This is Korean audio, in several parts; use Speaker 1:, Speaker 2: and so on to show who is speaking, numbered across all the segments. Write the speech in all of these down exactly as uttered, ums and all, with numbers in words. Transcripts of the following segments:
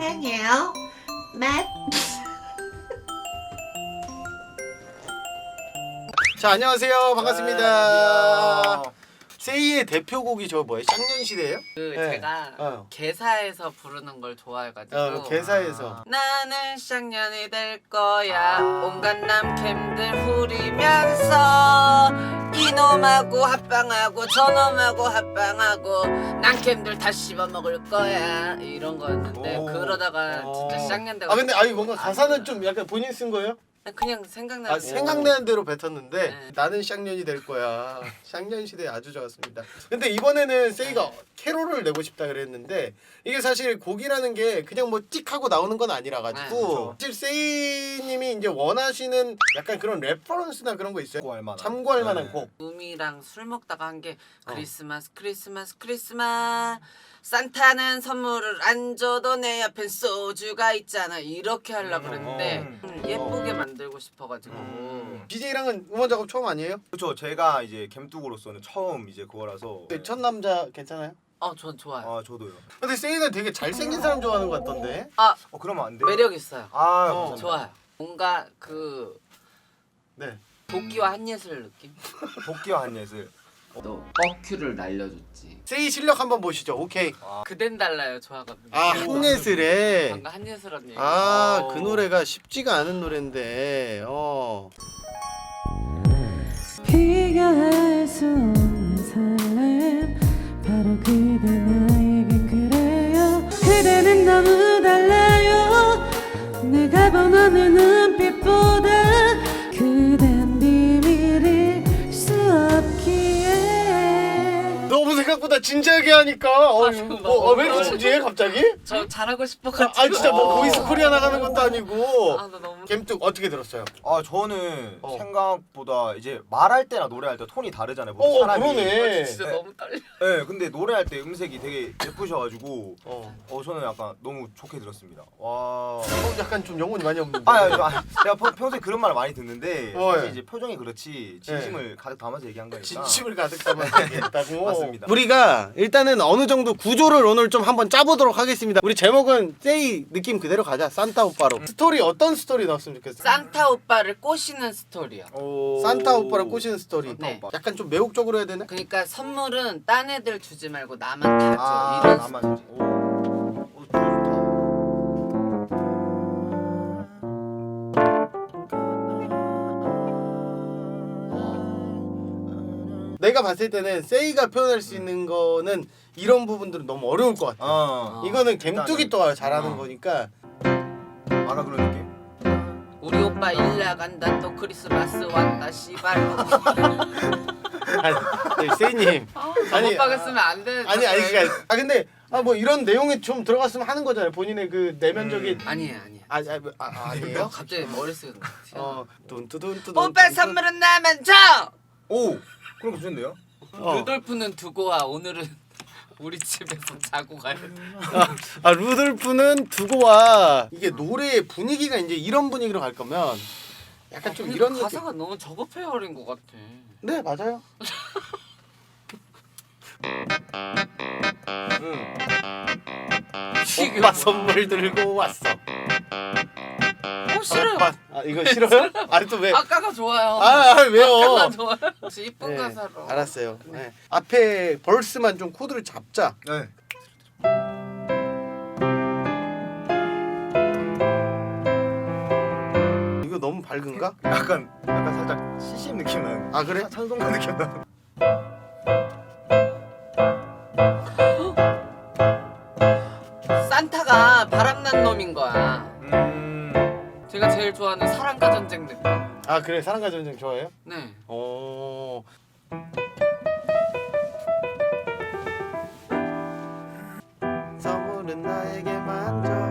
Speaker 1: 사랑해요. 맛.
Speaker 2: 자, 안녕하세요. 반갑습니다.
Speaker 3: 아,
Speaker 2: 세이의 대표곡이 저 뭐예요? 쌍년시대예요?
Speaker 4: 그
Speaker 2: 네.
Speaker 4: 제가
Speaker 2: 어.
Speaker 4: 개사에서 부르는 걸 좋아해가지고
Speaker 2: 어, 개사에서.
Speaker 4: 나는 쌍년이 될 거야. 온갖 남캠들 후리면서 이놈하고 합방하고 저놈하고 합방하고 남캠들 다 씹어먹을 거야 이런 거였는데
Speaker 3: 오.
Speaker 4: 그러다가 진짜
Speaker 2: 어.
Speaker 4: 쌍년 돼가
Speaker 2: 아 근데 아니 뭔가 가사는 좀 약간 본인 쓴 거예요?
Speaker 4: 그냥 생각나고
Speaker 2: 아 생각나는 대로 뱉었는데
Speaker 4: 네.
Speaker 2: 나는 쌍년이 될 거야. 쌍년 시대 아주 좋았습니다. 근데 이번에는 세이가 캐롤을 내고 싶다 그랬는데 이게 사실 곡이라는 게 그냥 뭐 찍 하고 나오는 건 아니라
Speaker 4: 네,
Speaker 2: 가지고 사실 세이님이 이제 원하시는 약간 그런 레퍼런스나 그런 거 있어요?
Speaker 3: 참고할 만한.
Speaker 2: 참고할 만한
Speaker 3: 네.
Speaker 2: 곡.
Speaker 4: 음이랑 술 먹다가 한 게
Speaker 2: 어.
Speaker 4: 크리스마스 크리스마스 크리스마스 산타는 선물을 안 줘도 내 옆엔 소주가 있잖아 이렇게 하려고 그랬는데
Speaker 3: 음.
Speaker 4: 음, 예쁘게 만들고 싶어가지고
Speaker 3: 음.
Speaker 2: 디제이랑은 음원 작업 처음 아니에요?
Speaker 3: 그렇죠. 제가 이제 캠뚝으로서는 처음 이제 그거라서.
Speaker 2: 네, 첫 남자 괜찮아요?
Speaker 4: 어 전 좋아요.
Speaker 3: 아 저도요.
Speaker 2: 근데 세이가 되게 잘생긴 사람 좋아하는 것 같던데.
Speaker 4: 아
Speaker 3: 어 그러면 안 돼.
Speaker 4: 매력 있어요.
Speaker 3: 아
Speaker 2: 어.
Speaker 3: 감사합니다.
Speaker 4: 좋아요. 뭔가 그
Speaker 2: 네.
Speaker 4: 도끼와 한예슬 느낌?
Speaker 3: 복귀와 한예슬.
Speaker 4: 또 버큐를 날려줬지.
Speaker 2: 세이 실력 한번 보시죠. 오케이.
Speaker 4: 그댄 달라요 좋아하거든요.
Speaker 2: 아 한예슬의
Speaker 4: 방금 한예슬 언니.
Speaker 2: 아 그
Speaker 4: 어.
Speaker 2: 노래가 쉽지가 않은 노래인데 어.
Speaker 5: 비교할 수 없는 설렘 바로 그대 나에겐 그래요 그대는 너무 달라요 내가 원하는 눈빛보다 그댄 비밀일 수 없기에
Speaker 2: 너무 생각보다 진지하게 하니까 어,
Speaker 4: 아,
Speaker 2: 뭐, 어, 왜 이렇게 진지해 갑자기?
Speaker 4: 저 잘하고
Speaker 2: 아,
Speaker 4: 싶어가지고.
Speaker 2: 아 진짜 뭐
Speaker 3: 어.
Speaker 2: 보이스 코리아 나가는 것도 아니고
Speaker 4: 아, 나 너무.
Speaker 2: gem뚝 어떻게 들었어요?
Speaker 3: 아 저는
Speaker 2: 어.
Speaker 3: 생각보다 이제 말할 때나 노래할 때 톤이 다르잖아요.
Speaker 2: 어
Speaker 3: 사람이.
Speaker 2: 그러네.
Speaker 4: 진짜
Speaker 3: 네.
Speaker 4: 너무 떨려.
Speaker 3: 네, 근데 노래할 때 음색이 되게 예쁘셔가지고
Speaker 2: 어.
Speaker 3: 어 저는 약간 너무 좋게 들었습니다. 와.
Speaker 2: 어, 약간 좀 영혼이 많이 없는데.
Speaker 3: 아, 아, 아, 내가 평- 평소에 그런 말 많이 듣는데
Speaker 2: 어,
Speaker 3: 사실
Speaker 2: 예.
Speaker 3: 이제 표정이 그렇지 진심을 가득 담아서 얘기한 거니까.
Speaker 2: 진심을 가득 담아서 얘기했다고.
Speaker 3: 맞습니다.
Speaker 2: 우리가 일단은 어느 정도 구조를 오늘 좀 한번 짜보도록 하겠습니다. 우리 제목은 세이 느낌 그대로 가자. 산타 오빠로. 스토리 어떤 스토리 나왔으면 좋겠어요?
Speaker 4: 산타 오빠를 꼬시는 스토리요.
Speaker 3: 오.
Speaker 2: 산타 오빠를 꼬시는 스토리.
Speaker 4: 네.
Speaker 3: 오빠.
Speaker 2: 약간 좀 매혹적으로 해야 되나?
Speaker 4: 그러니까 선물은 딴 애들 주지 말고 나만 다 줘.
Speaker 3: 아,
Speaker 4: 이런
Speaker 3: 나만
Speaker 4: 스토리.
Speaker 3: 주지. 오. 오, 좋다.
Speaker 2: 내가 봤을 때는 세이가 표현할 수 있는 거는 이런 부분들은 너무 어려울 것 같아.
Speaker 3: 어.
Speaker 2: 이거는 gem뚝이 또 잘하는
Speaker 3: 어.
Speaker 2: 거니까.
Speaker 3: 아까 그런 느낌?
Speaker 4: 우리 오빠 일 나간다 또 크리스마스 왔다 씨발.
Speaker 2: 아니, 아니, 세이님. 아니,
Speaker 4: 오빠가 쓰면 안 돼.
Speaker 2: 아니 아니 그러니까 아 근데 아 뭐 이런 내용이 좀 들어갔으면 하는 거잖아요. 본인의 그 내면적인
Speaker 4: 아니에요 아니에요.
Speaker 2: 아, 아, 아, 아 아니에요?
Speaker 4: 갑자기 머릿속에
Speaker 2: 어 뚠뚜둔뚜둔
Speaker 4: 오빠 선물은 나만 줘.
Speaker 3: 오! 그럼 괜찮네요?
Speaker 2: 어.
Speaker 4: 루돌프는 두고 와. 오늘은 우리 집에서 자고 가야 돼.
Speaker 2: 아, 아 루돌프는 두고 와. 이게 노래의 분위기가 이제 이런 분위기로 갈 거면 약간 좀 이런 느낌.
Speaker 4: 가사가 너무 저급해 버린 것 같아.
Speaker 2: 네 맞아요.
Speaker 3: 응.
Speaker 4: 지금
Speaker 2: 오빠 선물 들고 왔어.
Speaker 4: 어 싫어요.
Speaker 2: 오빠. 아 이거 싫어요? 아니 또 왜?
Speaker 4: 아까가 좋아요.
Speaker 2: 아, 아 왜요?
Speaker 4: 아까가 좋아요. 혹시 이쁜
Speaker 2: 네,
Speaker 4: 가사로.
Speaker 2: 알았어요. 네. 앞에 벌스만 좀 코드를 잡자.
Speaker 3: 네.
Speaker 2: 이거 너무 밝은가?
Speaker 3: 약간 약간 살짝 씨씨엠 느낌 나는.
Speaker 2: 아 그래?
Speaker 3: 찬송가 느낌 나는.
Speaker 4: 산타가 바람난 놈인 거야.
Speaker 3: 음.
Speaker 4: 제가 제일 좋아하는 사랑과 전쟁 느낌.
Speaker 2: 아 그래 사랑과 전쟁 좋아해요?
Speaker 4: 네.
Speaker 2: 어. 선물은 나에게만 줘.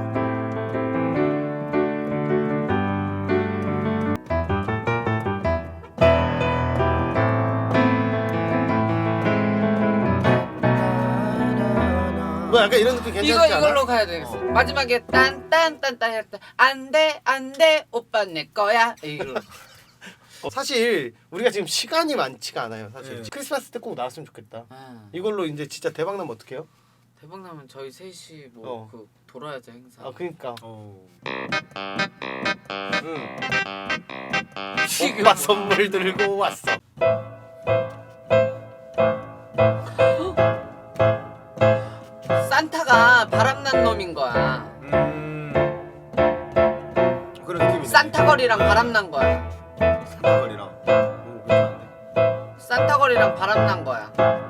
Speaker 2: 뭐 약간 이런 느낌 괜찮지
Speaker 4: 이거
Speaker 2: 않아?
Speaker 4: 이걸로 가야 되겠어.
Speaker 3: 어.
Speaker 4: 마지막에 딴딴딴딴 했다. 안돼 안돼 오빠 내 거야. 이거.
Speaker 2: 어, 사실 우리가 지금 시간이 많지가 않아요. 사실
Speaker 3: 네.
Speaker 2: 크리스마스 때 꼭 나왔으면 좋겠다.
Speaker 4: 아.
Speaker 2: 이걸로 이제 진짜 대박 나면 어떡해요?
Speaker 4: 대박 나면 저희 셋이 뭐
Speaker 2: 어.
Speaker 4: 그 돌아야죠 행사.
Speaker 2: 아 그니까.
Speaker 3: 어.
Speaker 2: 응.
Speaker 4: 지금
Speaker 2: 오빠 선물 들고 왔어.
Speaker 4: 산타가 바람난 놈인 거야.
Speaker 3: 음. 그런 느낌이네.
Speaker 4: 산타걸이랑 바람난 거야.
Speaker 3: 산타걸이랑. 오 괜찮은데.
Speaker 4: 산타걸이랑 바람난 거야.